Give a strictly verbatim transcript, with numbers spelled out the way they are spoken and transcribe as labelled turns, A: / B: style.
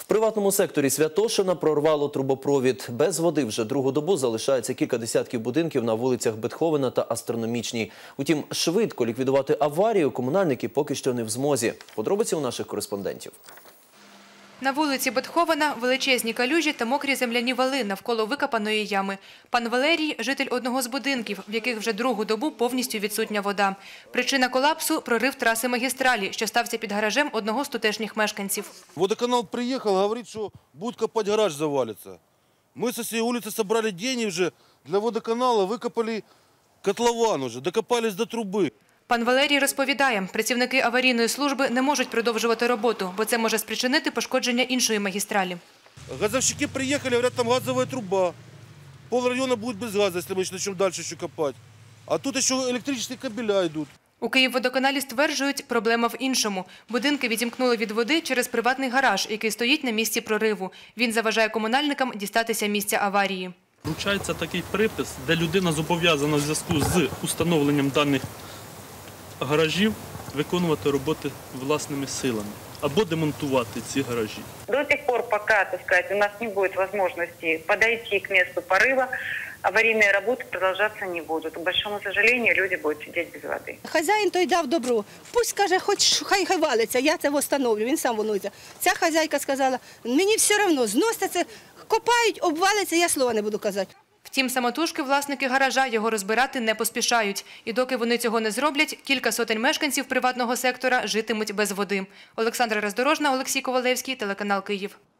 A: приватному секторі Святошина прорвало трубопровід. Без води вже другу добу залишається кілька десятків будинків на вулицях Бетховена та Астрономічній. Утім, швидко ліквідувати аварію комунальники поки що не в змозі. Подробиці у наших кореспондентів.
B: На вулиці Бетховена величезні калюжі та мокрі земляні вали навколо викопаної ями. Пан Валерій – житель одного з будинків, в яких вже другу добу повністю відсутня вода. Причина колапсу – прорив траси магістралі, що стався під гаражем одного з тутешніх мешканців.
C: Водоканал приїхав, говорить, що будуть копати, гараж завалиться. Ми з цієї вулиці зібрали гроші вже для водоканалу, викопали котлован вже, докопались до труби.
B: Пан Валерій розповідає, працівники аварійної служби не можуть продовжувати роботу, бо це може спричинити пошкодження іншої магістралі.
C: Газовщики приїхали, говорять, там газова труба. Пол району буде без газу, якщо ми почнемо далі ще копати. А тут ще електричні кабеля йдуть.
B: У Київводоканалі стверджують, проблема в іншому. Будинки відімкнули від води через приватний гараж, який стоїть на місці прориву. Він заважає комунальникам дістатися місця аварії.
D: Вручається такий припис, де людина зобов'язана в зв'язку з установленням даних гаражів виконувати роботи власними силами або демонтувати ці гаражі.
E: До тих пор, поки, так сказати, у нас не буде можливості підійти к місцю пориву, аварійні роботи продовжуватися не будуть. К большому сожалению, люди будуть сидіти без води.
F: Хазяїн той дав добро. Пусть, каже, хоч хай хай валиться, я це встановлю, він сам волнується. Ця хазяйка сказала, мені все одно, зносите це, копають, обвалиться, я слова не буду казати.
B: Втім, самотужки власники гаража його розбирати не поспішають. І доки вони цього не зроблять, кілька сотень мешканців приватного сектора житимуть без води. Олександра Роздорожна, Олексій Ковалевський, телеканал Київ.